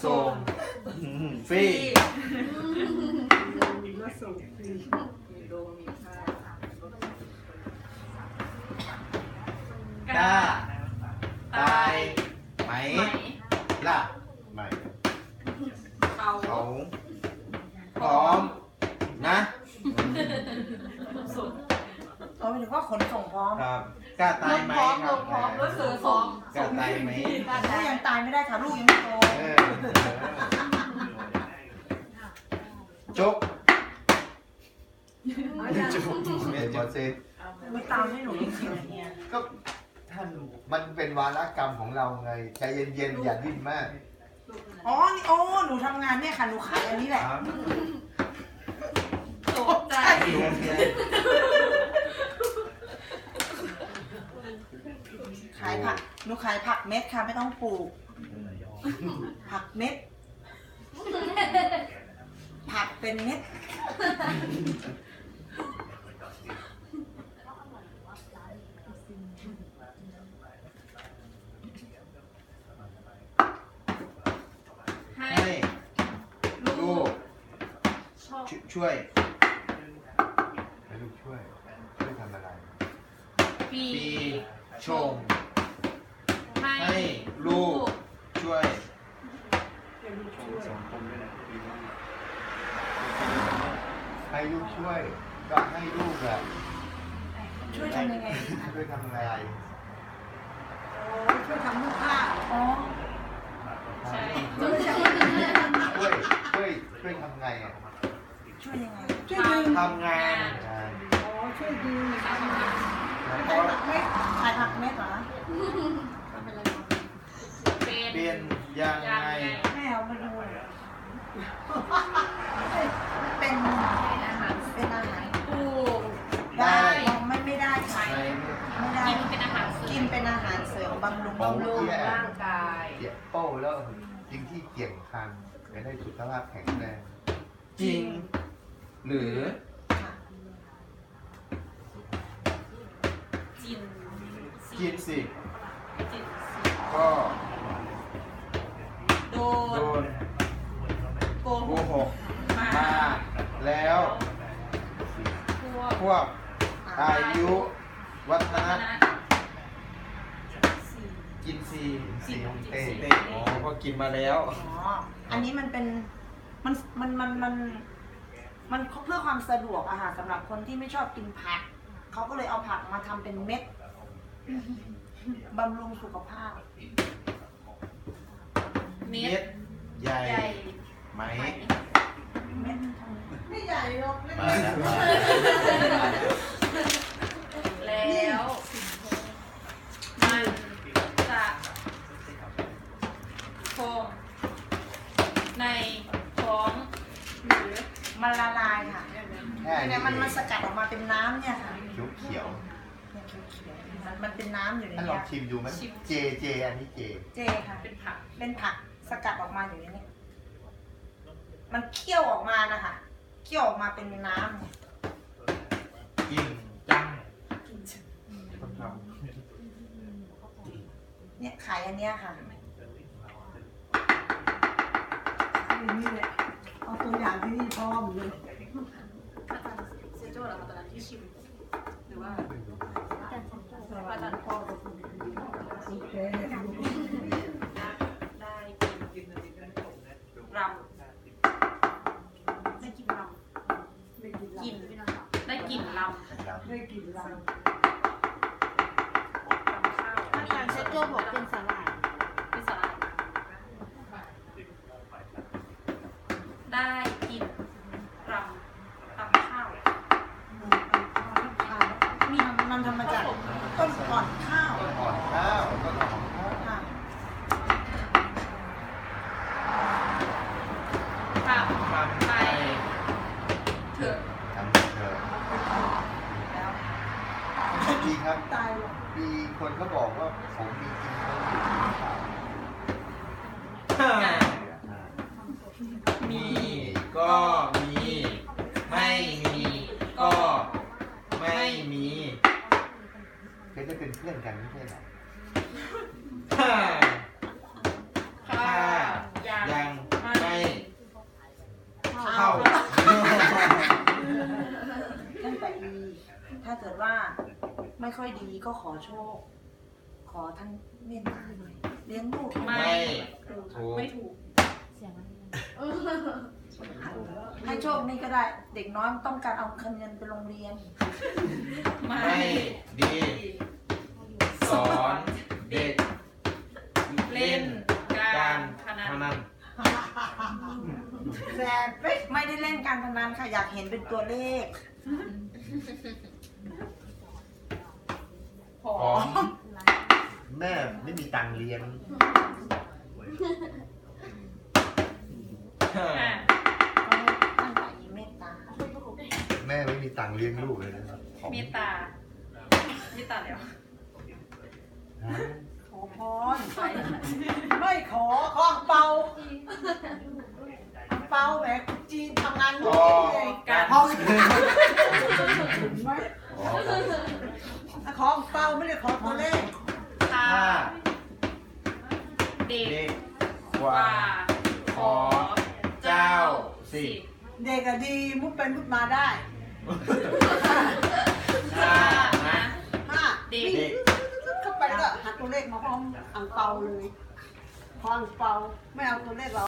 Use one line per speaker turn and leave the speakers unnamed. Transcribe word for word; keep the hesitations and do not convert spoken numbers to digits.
ส่งฟรี
มาส่งฟรีมีโรงมีค่าก
ล้าตายไหมล่ะ
ไม่
เขา
เขาพร้อมนะ
ส่ง
เขาหมายถึงว่าขนส่งพร้อม
ครับกล้าตายไหมครับ
พร้อมรถเสือพร้อม
กล้าตายไหม
ลูกยังตายไม่ได้ค่ะลูกยังไม่โต
เออจกจก
เมนบอสเซ
ไม่ตามให้หนูจริงๆเนี่ย
ก็ท่านมันเป็นวาระกรรมของเราไงใจเย็นๆอย่าดิ้นมาก
อ๋อนี่โอ้หนูทำงานเนี่ยค่ะหนูขายอันนี้แหละ
ครับ
ตกใจ
ขายผักหนูขายผักเม็ดค่ะไม่ต้องปลูก ผักเม็ด ผักเป็นเม็ด
ให้
ให้ลูก
ชอบ
ช่วย
ให้ลูกช่วยช่วยทำอะไร
ปี
ปีชง
ให้
ให้ลูกช่วย
ให้ลูกช่วยก็ให้ลูกอะ
ช่วยทำยังไงคะ
ช่วยทำอะไร
โอ้ช่วยทำลูกผ้าอ๋อ
ใช่
ช่วยช่วยช่วยทำไงอ่ะ
ช่วยยังไง
ช่วยดึง
ทำงาน
งาน
อ๋อช่วยดี
แล้ว
ขาย
ก็
ผักเม็ดขายผักเม็ดเหรอ
เป็น
เป็นยังไง
แม่เอามาดูหน่อยเป็น
เป็นอาหาร
เป็นอาหาร
ปลูก
ได้ไม่ไม่ได้ค่ะ
ใน
ไม่ได้
กินเป็นอาหารเสริ
กิ
ม
นเป็นอาหารเสริมบำรุง
บำรุงร่างกาย
เกี่ยโป้แล้วกินที่เกี่ยงคันจะได้สุขภาพแข็งแรง
จริง หรือ
ค่ะ
จิน
กินสิ
จิน
ก็
โด
โด
น
น
โก
โก
หก
หกมาแล้ว
พวก
พวกอายุวัฒ
วัฒ
นะ
นะ
กินซี
สีของเต้
เต้อ๋อพอกินมาแล้ว
อ๋อ อันนี้มันเป็น มัน มัน มัน มัน มันเพื่อความสะดวกอะค่ะสำหรับคนที่ไม่ชอบกินผัก เขาก็เลยเอาผักมาทำเป็นเม็ด บำรุงสุขภาพ
เม็
เม็
ด
ดใหญ่
ใหญ่
ไหม
เม็ดทำไม่ใหญ่หรอกเล็ก
มาแล้วมา
แล้วมันจะคงในท้องหรือ
มันละลายค่ะ
แค่
เนี่ยมันมันสกัดออกมาเป็นน้ำเนี่ยค่ะ
เขียวเขียว
เนี่ยเขียวๆมันมันเป็นน้ำอยู่ใน
ท่านลอ
เนี้
ง
ย
ชิมดูไหมเจเจอันนี้เจ
เจค่ะ
เป็นผัก
เป็นผักสกัดออกมาอยู่ในนี้ มันเคี่ยวออกมานะคะ เคี่ยวออกมาเป็นน้ำเนี่ย
กินจัง
เนี่ยขายอันเนี้ยค่ะ
นี่แหละเอาตัวอย่างที่นี่พร้อมเลย
อาจารย์เซโจ้เหรอคะตอนนั้นที่ชิมหรือว่าอาจารย์พ่อ
โอเค
ได้กินรำได้กินรำ
ได้กิน
กินพี่น้องได้กินรำ
นะครับ
ได้กินเรา
รำข้าว
อาจารย์เชโจ้บอกเป็นสลาย
พิซซ่าได้กินรำรำข้าว
มีมันทำมาจากต้นอ่อนข้าว
ต้นอ่อนข้าวต้นอ่อนข้าว
ค่ะ
ทำ
ทำ
ไป
ไป
เถอะ
ทำเถอะ
แล้ว
ดีครับ
ตายหรอก
มีคนเขาบอกว่าผมมีจริงเขาอยู่หรือเปล่า
มีก็มี ไม่มีก็ไม่มี
เคยได้เป็นเพื่อนกันไม่ใช่เหรอ
ถ้า
ข้า
ถ้า
ยัง
ยัง
ไม่ค่อยดีก็ขอโชค ขอท่านเมตตาหน่อยเลี้ยงลูก
ไม่
ถูก
ไม่ถูก
เสียงอะไร
ให้โชคนี่ก็ได้ เด็กน้อยต้องการเอาเงินไปโรงเรียน
ไม่
ไม่ดี สอนเด็ก
เล่นการพนั
พ
น
นัน
แสบเป๊ะ
ไม่ได้เล่นการพนันค่ะอยากเห็นเป็นตัวเลข
ผอ
ผม ม
แม่ไม่มีตังค์เลี้ยง
อ่ะ
ก็ให้ท่านไปเมตตา
แม่ไม่มีตังค์เลี้ยงลูกเลยนะครับผม
เมตตาเมตตาแล้ว
ฮะ
ขอพรไม่ขอขออังเปาอังเปาแหมคนจีนทำงานนู่นนี่เลย
การ
ห้องไหม
อ๋อ
ขออังเปาไม่ได้ขอตัวเลข
ถ้า
ถ้า
เด็ก
เด็กก
ก
ว่า
ว่าขอเจ้าสิ
เด็กอะดีมุดเป็นมุดมาได้
ถ้านะ
ห้า
เด็ก
เด็ก
เข้าไปก็หาตัวเลขมาพร้อมอังเปาเลยพออังเปาไม่เอาตัวเลขเรา